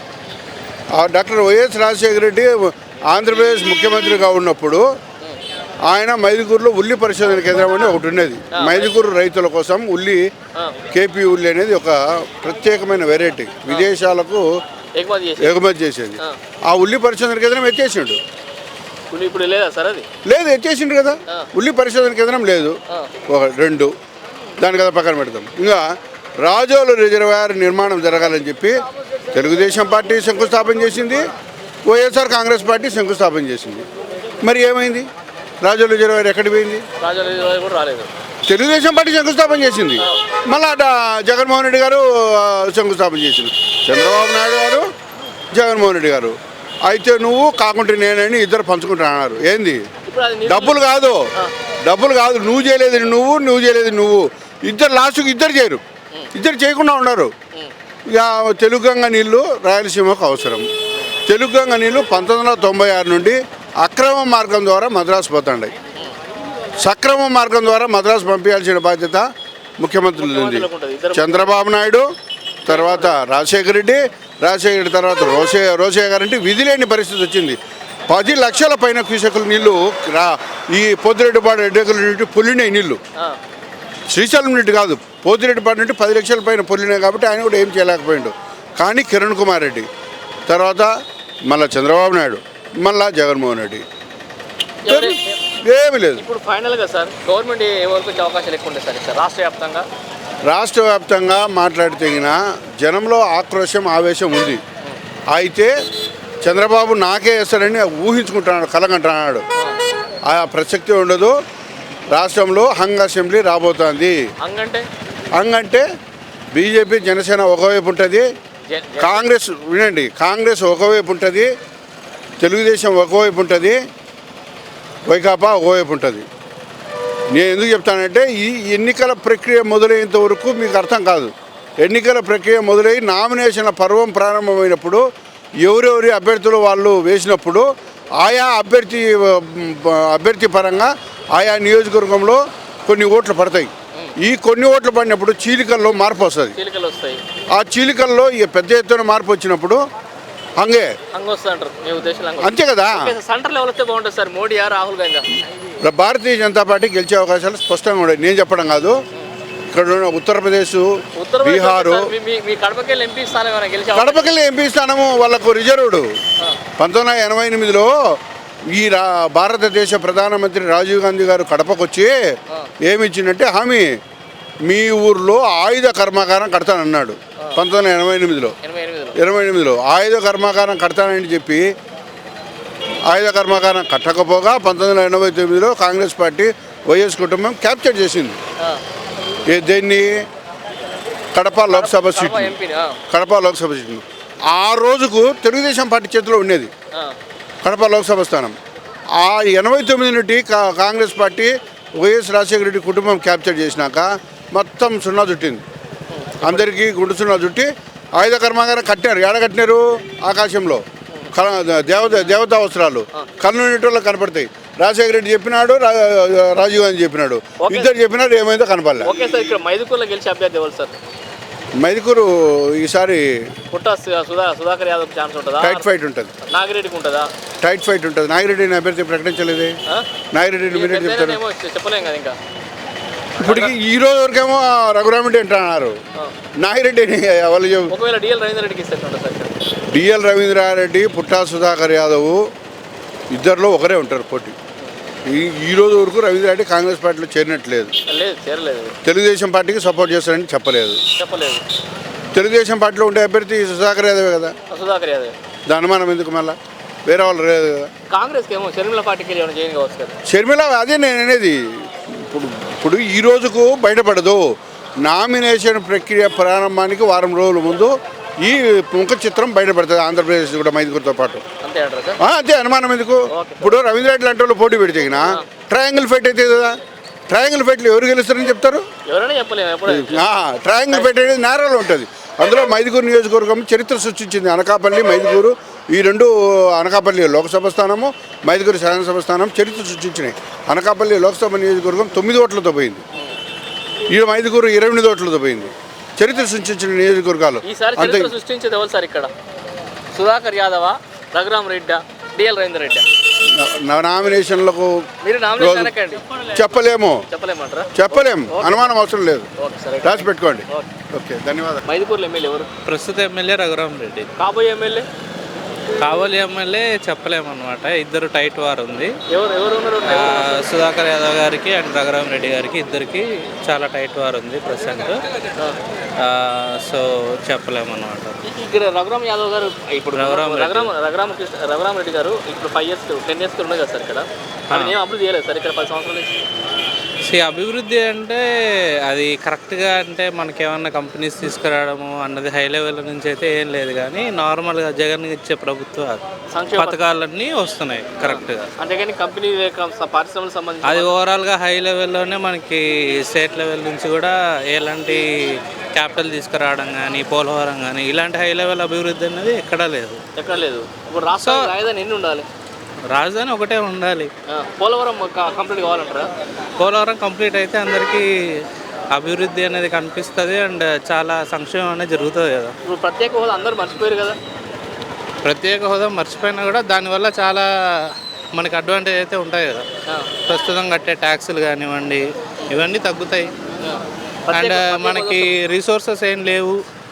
ఆ డాక్టర్ వైఎస్ రాజశేఖర రెడ్డి ఆంధ్రప్రదేశ్ ముఖ్యమంత్రిగా ఉన్నప్పుడు ఆయన మైదుకూరులో ఉల్లి పరిశోధన కేంద్రం అని ఒకటి ఉండేది. మైదుకూరు రైతుల కోసం ఉల్లి, కేపీ ఉల్లి అనేది ఒక ప్రత్యేకమైన వెరైటీ, విదేశాలకు ఎగుమతి చేసి ఎగుమతి చేసేది. ఆ ఉల్లి పరిశోధన కేంద్రం ఎత్తేసిండు. ఇప్పుడు ఇప్పుడు లేదా సార్ అది? లేదు, ఎత్తేసిండు కదా. ఉల్లి పరిశోధన కేంద్రం లేదు. ఒక రెండు దాని కదా పక్కన పెడతాం. ఇంకా రాజోలు రిజర్వాయర్ నిర్మాణం జరగాలని చెప్పి తెలుగుదేశం పార్టీ శంకుస్థాపన చేసింది, వైఎస్ఆర్ కాంగ్రెస్ పార్టీ శంకుస్థాపన చేసింది. మరి ఏమైంది? రాజోలు రిజర్వాయర్ ఎక్కడికి పోయింది? రాజాలు కూడా రాలేదు. తెలుగుదేశం పార్టీ శంకుస్థాపన చేసింది, మళ్ళా జగన్మోహన్ రెడ్డి గారు ఆ, శంకుస్థాపన చేసింది. చంద్రబాబు నాయుడు గారు, జగన్మోహన్ రెడ్డి గారు. అయితే నువ్వు కాకుంటే నేనని ఇద్దరు పంచుకుంటున్నారు. ఏంది? ఇప్పుడు అది నిధులు- డబ్బులు కాదు, డబ్బులు కాదు, నువ్వు చేయలేదు నువ్వు, నువ్వు చేయలేదు నువ్వు, ఇద్దరు లాస్ట్కి ఇద్దరు చేయరు, ఇద్దరు చేయకుండా ఉన్నారు. ఇక తెలుగు గంగ నీళ్లు రాయలసీమకు అవసరం. తెలుగు గంగ నీళ్లు పంతొమ్మిది వందల తొంభై ఆరు నుండి అక్రమ మార్గం ద్వారా మద్రాసు పోతాయి. సక్రమ మార్గం ద్వారా మద్రాసు పంపించాల్సిన బాధ్యత ముఖ్యమంత్రులు ఉంది. చంద్రబాబు నాయుడు తర్వాత రాజశేఖర రెడ్డి, రాజశేఖర రెడ్డి తర్వాత రోసే రోసయ్య గారంటే విధి లేని పరిస్థితి వచ్చింది. పది లక్షల పైన క్యూసెక్కుల నీళ్లు రా ఈ పొద్దురెడ్డిపాడు ఎడ్డెకుల నుండి పొల్లినాయి నీళ్లు. శ్రీశైలం నుండి కాదు, పోతిరెడ్డిపాడు నుండి పది లక్షల పైన పొల్లినాయి. కాబట్టి ఆయన కూడా ఏం చేయలేకపోయిండు. కానీ కిరణ్ కుమార్ రెడ్డి తర్వాత మళ్ళా చంద్రబాబు నాయుడు, మళ్ళా జగన్మోహన్ రెడ్డి, ఏమీ లేదు. ఇప్పుడు ఫైనల్గా సార్ గవర్నమెంట్ ఎవరికి వచ్చే అవకాశాలు ఎక్కువ ఉంటాయి సార్ సార్ రాష్ట్ర వ్యాప్తంగా? రాష్ట్ర వ్యాప్తంగా మాట్లాడితేగిన జనంలో ఆక్రోశం, ఆవేశం ఉంది. అయితే చంద్రబాబు నాకే వేస్తాడని ఊహించుకుంటున్నాడు, కలగంటున్నాడు. ఆ ప్రసక్తి ఉండదు. రాష్ట్రంలో హంగ్ అసెంబ్లీ రాబోతోంది. హంగంటే హంగ్ అంటే బీజేపీ, జనసేన ఒకవైపు ఉంటుంది, కాంగ్రెస్ వినండి కాంగ్రెస్ ఒకవైపు ఉంటుంది, తెలుగుదేశం ఒకవైపు ఉంటుంది, వైకాపా ఒకవైపు ఉంటుంది. నేను ఎందుకు చెప్తానంటే ఈ ఎన్నికల ప్రక్రియ మొదలయ్యేంత వరకు మీకు అర్థం కాదు. ఎన్నికల ప్రక్రియ మొదలై నామినేషన్ల పర్వం ప్రారంభమైనప్పుడు ఎవరెవరి అభ్యర్థులు వాళ్ళు వేసినప్పుడు ఆయా అభ్యర్థి అభ్యర్థి పరంగా ఆయా నియోజకవర్గంలో కొన్ని ఓట్లు పడతాయి. ఈ కొన్ని ఓట్లు పడినప్పుడు చీలికల్లో మార్పు వస్తుంది. చీలికలు వస్తాయి. ఆ చీలికల్లో ఈ పెద్ద ఎత్తున మార్పు వచ్చినప్పుడు హంగే హంగ వస్తుంది అంటారు మీ ఉద్దేశంలో? అంతే కదా. సెంటర్ లెవెల్ వస్తే బాగుంటుంది సార్, మోడీయా రాహుల్ గాంధీ? భారతీయ జనతా పార్టీ గెలిచే అవకాశాలు స్పష్టంగా ఉన్నాయి. నేను చెప్పడం కాదు, ఇక్కడ ఉన్న ఉత్తరప్రదేశ్, బీహారు, మీ కడపకెళ్ళి ఎంపీ స్థానం ఏమైనా గెలిచే కడపకెళ్ళి ఎంపీ స్థానము వాళ్ళకు రిజర్వ్డ్. పంతొమ్మిది వందల ఎనభై ఎనిమిదిలో ఈ రా భారతదేశ ప్రధానమంత్రి రాజీవ్ గాంధీ గారు కడపకు వచ్చి ఏమిచ్చిందంటే హామీ, మీ ఊర్లో ఆయుధ కర్మాగారం కడతానన్నాడు. పంతొమ్మిది వందల ఎనభై ఎనిమిదిలో ఎనభై ఎనిమిదిలో ఆయుధ కర్మాగారం కడతానని చెప్పి ఆయుధ కర్మాగారం కట్టకపోగా పంతొమ్మిది వందల ఎనభై తొమ్మిదిలో కాంగ్రెస్ పార్టీ, వైఎస్ కుటుంబం క్యాప్చర్ చేసింది. దీన్ని కడప లోక్సభ సీట్లు, కడప లోక్సభ సీట్లు ఆ రోజుకు తెలుగుదేశం పార్టీ చేతిలో ఉండేది కడప లోక్సభ స్థానం. ఆ ఎనభై తొమ్మిది నుండి కాంగ్రెస్ పార్టీ, వైఎస్ రాజశేఖర రెడ్డి కుటుంబం క్యాప్చర్ చేసినాక మొత్తం సున్నా చుట్టింది. అందరికీ గుండు సున్నా చుట్టి ఆయుధ కర్మాగారం కట్టినారు. ఎడ కట్టినారు? ఆకాశంలో. దేవత దేవతా వస్త్రాలు కళ్ళు నీటిలో కనపడతాయి. రాజశేఖర రెడ్డి చెప్పినాడు, రాజీవ్ గాంధీ చెప్పినాడు, ఇద్దరు చెప్పినాడు, ఏమైందో కనపడలే. ఓకే సార్, ఇక్కడ మైదుకూరులో గెలిచే అభ్యర్థి ఎవరు సార్? మైదుకూరు ఈసారి పుట్టా సుధా సుధాకర్ యాదవ్ ఛాన్స్ ఉంటుందా? టైట్ ఫైట్ ఉంటుంది. నాగిరెడ్డికి ఉంటుందా? టైట్ ఫైట్ ఉంటుంది. నాగిరెడ్డిని అభ్యర్థి ప్రకటించలేదే. నాగిరెడ్డిని మీరే చెప్తారు, చెప్పలేం కదా ఇంకా. ఇప్పటికి ఈ రోజు వరకేమో రఘురామిరెడ్డి అంటున్నారు, నాగిరెడ్డిని వాళ్ళు చెప్పు. ఒకవేళ డిఎల్ రవీంద్ర రెడ్డికి ఇస్తారు సార్? డిఎల్ రవీంద్రారెడ్డి, పుట్టా సుధాకర్ యాదవ్ ఇద్దరిలో ఒకరే ఉంటారు పోటీ. ఈ ఈ రోజు వరకు రవీంద్ర రెడ్డి కాంగ్రెస్ పార్టీలో చేరినట్లేదు. లేదు చేరలేదు, తెలుగుదేశం పార్టీకి సపోర్ట్ చేస్తారని చెప్పలేదు. చెప్పలేదు. తెలుగుదేశం పార్టీలో ఉండే అభ్యర్థి సుధాకర్ యాదవ్ కదా, సుధాకర్ యాదవ్. దాని అనుమానం ఎందుకు మళ్ళీ వేరే వాళ్ళు లేదు కదా. కాంగ్రెస్కి ఏమో షర్మిల పార్టీకి ఏమైనా చేయని కావచ్చు కదా. షర్మిల అదే నేను అనేది. ఇప్పుడు ఇప్పుడు ఈ రోజుకు బయటపడదు. నామినేషన్ ప్రక్రియ ప్రారంభానికి వారం రోజుల ముందు ఈ ముఖ చిత్రం బయటపడుతుంది ఆంధ్రప్రదేశ్ కూడా మైదుగురితో పాటు. అంతే అంటారు సార్. ఆ, అదే అనుమానం ఎందుకు. ఇప్పుడు రవీంద్ర రెడ్డి లాంటి వాళ్ళు పోటీ పెడితే ట్రయాంగిల్ ఫైట్ అయితే కదా. ట్రయాంగిల్ ఫైట్లు ఎవరు గెలుస్తారని చెప్తారు. ఎవరైనా చెప్పలేము ఎప్పుడు. ట్రయాంగిల్ ఫైట్ అనేది నేరాలు ఉంటుంది. అందులో మైదుగురు నియోజకవర్గం చరిత్ర సృష్టించింది. అనకాపల్లి మైదుగురు ఈ రెండు, అనకాపల్లి లోక్సభ స్థానము, మైదుగురు శాసనసభ స్థానం చరిత్ర సృష్టించినాయి. అనకాపల్లి లోక్సభ నియోజకవర్గం తొమ్మిది ఓట్లతో పోయింది, ఈ మైదుగురు ఇరవై ఎనిమిది ఓట్లతో పోయింది. చరిత్ర సృష్టించిన నియోజకవర్గాలు. ఈసారి చరిత్ర సృష్టించేది ఎవరు సార్ ఇక్కడ? సుధాకర్ యాదవా, రఘురామ్ రెడ్డా, డిఎల్ రవీంద్ర రెడ్డా? నామినేషన్లకు మీరు నామినేషన్ అనకండి, చెప్పలేము చెప్పలేమంటారా? చెప్పలేము, అనుమానం అవసరం లేదు. ఓకే సార్, రాసి పెట్టుకోండి. ఓకే, ధన్యవాదాలు. మైదుకూరులో ఎమ్మెల్యే ఎవరు? ప్రస్తుత ఎమ్మెల్యే రఘురామ్ రెడ్డి. కాబోయే ఎమ్మెల్యే కావలి ఎమ్మెల్యే చెప్పలేమన్నమాట. ఇద్దరు టైట్ వార్ ఉంది. ఎవరు ఎవరు ఉన్నారు? సుధాకర్ యాదవ్ గారికి అండ్ రఘురామ్ రెడ్డి గారికి ఇద్దరికి చాలా టైట్ వార్ ఉంది ప్రజెంట్. సో చెప్పలేమన్నమాట. ఇక్కడ రఘురామ్ యాదవ్ గారు ఇప్పుడు రఘురామ్ రఘురామ్ రఘురామ కృష్ణ రఘురామ్ రెడ్డి గారు ఇప్పుడు ఫైవ్ ఇయర్స్ టెన్ ఇయర్స్ ఉన్నాయి కదా సార్ ఇక్కడ. అది ఏం అభివృద్ధి చేయలేదు సార్ ఇక్కడ పది సంవత్సరాల నుంచి. సి అభివృద్ధి అంటే అది కరెక్ట్గా అంటే మనకేమన్నా కంపెనీస్ తీసుకురావడము అన్నది హై లెవెల్ నుంచి అయితే ఏం లేదు, కానీ నార్మల్గా జగన్ ఇచ్చే ప్రభుత్వ పథకాలన్నీ వస్తున్నాయి కరెక్ట్గా. అంతేగాని కంపెనీ పరిశ్రమలకు సంబంధించి అది ఓవరాల్గా హై లెవెల్లోనే మనకి స్టేట్ లెవెల్ నుంచి కూడా ఎలాంటి క్యాపిటల్ తీసుకురావడం కానీ పోలవరం కానీ ఇలాంటి హై లెవెల్ అభివృద్ధి అనేది ఎక్కడా లేదు. ఎక్కడ లేదు. ఇప్పుడు రాష్ట్ర రాజధాని ఎన్ని ఉండాలి? రాజధాని ఒకటే ఉండాలి. పోలవరం కంప్లీట్ కావాలంటారా? పోలవరం కంప్లీట్ అయితే అందరికీ అభివృద్ధి అనేది కనిపిస్తుంది అండ్ చాలా సంక్షేమం అనేది జరుగుతుంది కదా. ఇప్పుడు ప్రత్యేక హోదా అందరూ మర్చిపోయారు కదా. ప్రత్యేక హోదా మర్చిపోయినా కూడా దానివల్ల చాలా మనకి అడ్వాంటేజ్ అయితే ఉంటాయి కదా. ప్రస్తుతం కట్టే ట్యాక్సులు కానివ్వండి ఇవన్నీ తగ్గుతాయి అండ్ మనకి రిసోర్సెస్ ఏం లేవు.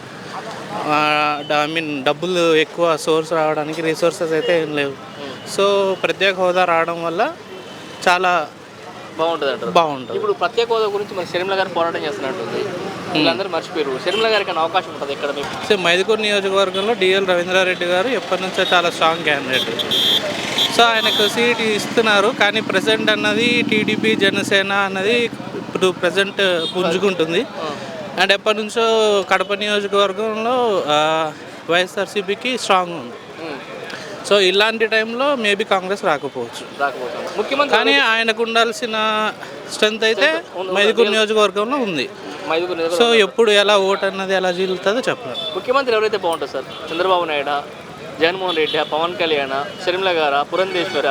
ఐ మీన్ డబ్బులు ఎక్కువ సోర్స్ రావడానికి రిసోర్సెస్ అయితే ఏం లేవు. సో ప్రత్యేక హోదా రావడం వల్ల చాలా బాగుంటుంది అంటారు. బాగుంటుంది. ఇప్పుడు ప్రత్యేక హోదా గురించి మరి షర్మిల గారు పోరాటం చేస్తున్నట్టుంది, వీళ్ళందరూ మర్చిపోయారు. షర్మిల గారికి అవకాశం ఉంటుంది ఇక్కడ మీకు? సో మైదుకూరు నియోజకవర్గంలో డిఎల్ రవీంద్రారెడ్డి గారు ఎప్పటి నుంచో చాలా స్ట్రాంగ్ క్యాండిడేట్. సో ఆయనకు సీట్ ఇస్తున్నారు, కానీ ప్రజెంట్ అన్నది టీడీపీ జనసేన అన్నది ఇప్పుడు ప్రజెంట్ పుంజుకుంటుంది. అండ్ ఎప్పటి నుంచో కడప నియోజకవర్గంలో వైఎస్ఆర్సీపీకి స్ట్రాంగ్ ఉంది. సో ఇలాంటి టైంలో మేబీ కాంగ్రెస్ రాకపోవచ్చు, ముఖ్యమంత్రి కానీ ఆయనకు ఉండాల్సిన స్ట్రెంత్ అయితే మైదుకూరు నియోజకవర్గంలో ఉంది. సో ఎప్పుడు ఎలా ఓటు అన్నది ఎలా జీలుతుందో చెప్పలేము. ముఖ్యమంత్రి ఎవరైతే బాగుంటుంది సార్? చంద్రబాబు నాయుడు, జగన్మోహన్ రెడ్డి, పవన్ కళ్యాణ్, షర్మిల గారా, పురంధేశ్వర?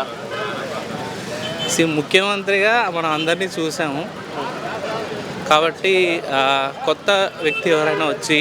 సి ముఖ్యమంత్రిగా మనం అందరినీ చూసాము కాబట్టి కొత్త వ్యక్తి ఎవరైనా వచ్చి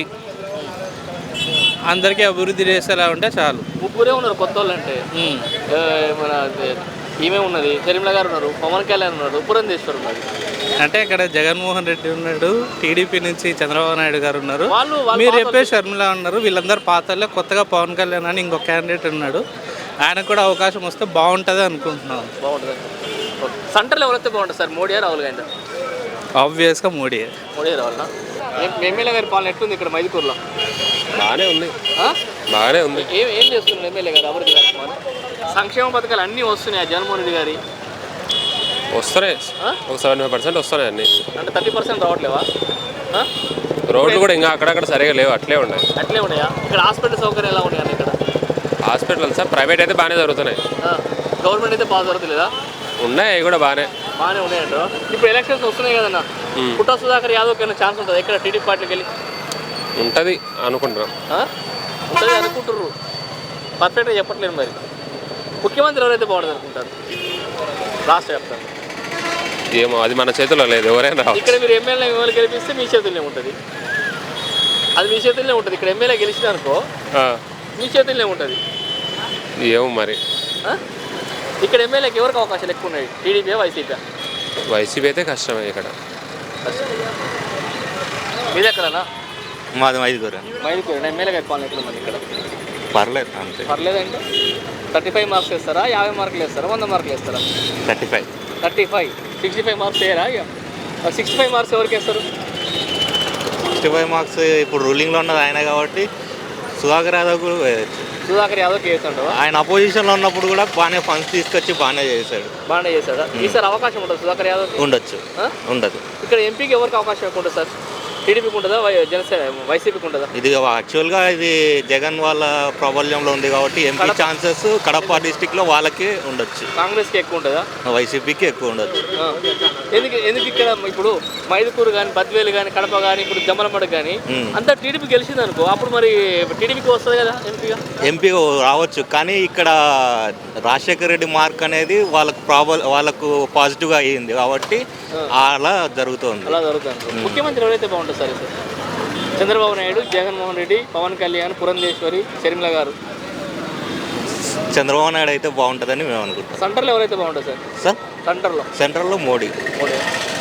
అందరికీ అభివృద్ధి చేసేలా ఉంటే చాలు. ముగ్గురే ఉన్నారు కొత్త వాళ్ళు అంటే. మన ఈమె ఉన్నది, షర్మిల గారు ఉన్నారు, పవన్ కళ్యాణ్ ఉన్నారు, పురంధేశ్వర్ ఉన్నారు. అంటే ఇక్కడ జగన్మోహన్ రెడ్డి ఉన్నాడు, టీడీపీ నుంచి చంద్రబాబు నాయుడు గారు ఉన్నారు, మీరు చెప్పే షర్మిల ఉన్నారు. వీళ్ళందరూ పాతలే. కొత్తగా పవన్ కళ్యాణ్ అని ఇంకో క్యాండిడేట్ ఉన్నాడు, ఆయనకు కూడా అవకాశం వస్తే బాగుంటుంది అనుకుంటున్నాను. బాగుంటుంది. సెంటర్లో ఎవరైతే బాగుంటుంది సార్? మోడీ రాహుల్ గాంధీ? ఆబ్వియస్గా మోడీ. మోడీ రావాలా? ఎమ్మెల్యే గారి పాలన ఎట్లుంది ఇక్కడ మైదుకూరులో? బాగానే ఉంది, బాగానే ఉంది. ఏం ఏం చేస్తున్నారు ఎమ్మెల్యే గారు అభివృద్ధి కార్యక్రమాలు? సంక్షేమ పథకాలు అన్నీ వస్తున్నాయి జగన్మోహన్ రెడ్డి గారి? వస్తున్నాయి, ఒక సెవెంటీ ఫైవ్ పర్సెంట్ వస్తున్నాయి అన్నీ. అంటే థర్టీ పర్సెంట్ రావట్లేవా? రోడ్లు కూడా ఇంకా అక్కడక్కడ సరిగా లేవు, అట్లే ఉన్నాయి. అట్లే ఉన్నాయా? ఇక్కడ హాస్పిటల్ సౌకర్యం ఎలా ఉన్నాయి ఇక్కడ? హాస్పిటల్ సార్ ప్రైవేట్ అయితే బాగానే జరుగుతున్నాయి, గవర్నమెంట్ అయితే బాగా జరుగుతుందా? ఉన్నాయి, అవి కూడా బాగానే బాగానే ఉన్నాయంట. ఇప్పుడు ఎలక్షన్స్ వస్తున్నాయి కదన్నా, పుట్టా సుధాకర్ యాదవ్ కన్నా ఛాన్స్ ఉంటుంది ఇక్కడ టీడీపీ పార్టీకి వెళ్ళి? ఉంటుంది అనుకుంటున్నాం. ఉంటుంది అనుకుంటుర్రు, పర్ఫెక్ట్గా చెప్పట్లేదు. మరి ముఖ్యమంత్రి ఎవరైతే బాగుంటుంది అనుకుంటారు రాష్ట్ర వ్యాప్తంగా? ఏమో అది మన చేతిలో లేదు, ఎవరైనా ఇక్కడ మీరు ఎమ్మెల్యే మిమ్మల్ని గెలిపిస్తే మీ చేతుల్లోనే ఉంటుంది, అది మీ చేతుల్లోనే ఉంటుంది. ఇక్కడ ఎమ్మెల్యే గెలిచిన అనుకో మీ చేతుల్లోనే ఉంటుంది. ఏమో మరి ఇక్కడ ఎమ్మెల్యేకి ఎవరికి అవకాశాలు ఎక్కువ ఉన్నాయి? TDP, YCP? వైసీపీ అయితే కష్టమే ఇక్కడ. మీది ఎక్కడన్నా? మాది మైదుకూరు. మైదుకూరు. ఎమ్మెల్యే గారి పాలన ఎట్లుంది ఇక్కడ? పర్లేదు, అంతే. పర్లేదంటే థర్టీ ఫైవ్ మార్క్స్ వేస్తారా, యాభై మార్కులు వేస్తారా, వంద మార్కులు వేస్తారా? Thirty five thirty five sixty five marks వేయరా ఇక సిక్స్టీ ఫైవ్ మార్క్స్ ఎవరికి వేస్తారు? సిక్స్టీ ఫైవ్ మార్క్స్ ఇప్పుడు రూలింగ్లో ఉన్నది ఆయన కాబట్టి సుధాకర్ యాదవ్ కూడా వేయచ్చు. సుధాకర్ యాదవ్కి వేస్తుంటావా? ఆయన అపోజిషన్లో ఉన్నప్పుడు కూడా బాగానే ఫండ్స్ తీసుకొచ్చి బాగానే చేశాడు. బాగానే చేశాడా? ఈసారి అవకాశం ఉంటుంది సుధాకర్ యాదవ్? ఉండొచ్చు, ఉండదు. ఇక్కడ ఎంపీకి ఎవరికి అవకాశం ఎక్కువ ఉంటుంది సార్? టీడీపీకి ఉంటుందా, వై జనసేన వైసీపీకి ఉంటుందా? ఇది యాక్చువల్గా ఇది జగన్ వాళ్ళ ప్రాబల్యంలో ఉంది కాబట్టి ఎంపీ ఛాన్సెస్ కడప డిస్టిక్లో వాళ్ళకి ఉండొచ్చు. కాంగ్రెస్కి ఎక్కువ ఉంటుందా? వైసీపీకి ఎక్కువ ఉండొచ్చు. ఎందుకు ఎందుకు ఇక్కడ ఇప్పుడు మైదుకూరు కానీ బద్వేలు కానీ కడప కానీ ఇప్పుడు జమ్మలమడ కానీ అంతా టీడీపీ గెలిచింది అనుకో, అప్పుడు మరి టీడీపీకి వస్తుంది కదా ఎంపీగా? ఎంపీ రావచ్చు, కానీ ఇక్కడ రాజశేఖర రెడ్డి మార్క్ అనేది వాళ్ళకు ప్రాబల్ వాళ్ళకు పాజిటివ్గా అయ్యింది కాబట్టి అలా జరుగుతుంది. అలా జరుగుతుంది. ముఖ్యమంత్రి ఎవరైతే బాగుంటుంది సార్? చంద్రబాబు నాయుడు, జగన్మోహన్ రెడ్డి, పవన్ కళ్యాణ్, పురంధేశ్వరి, షర్మిల గారు. చంద్రబాబు నాయుడు అయితే బాగుంటుందని మేము అనుకుంటాం. సెంటర్లో ఎవరైతే బాగుంటుంది సార్? సార్ సెంటర్లో సెంట్రల్లో మోడీ. మోడీ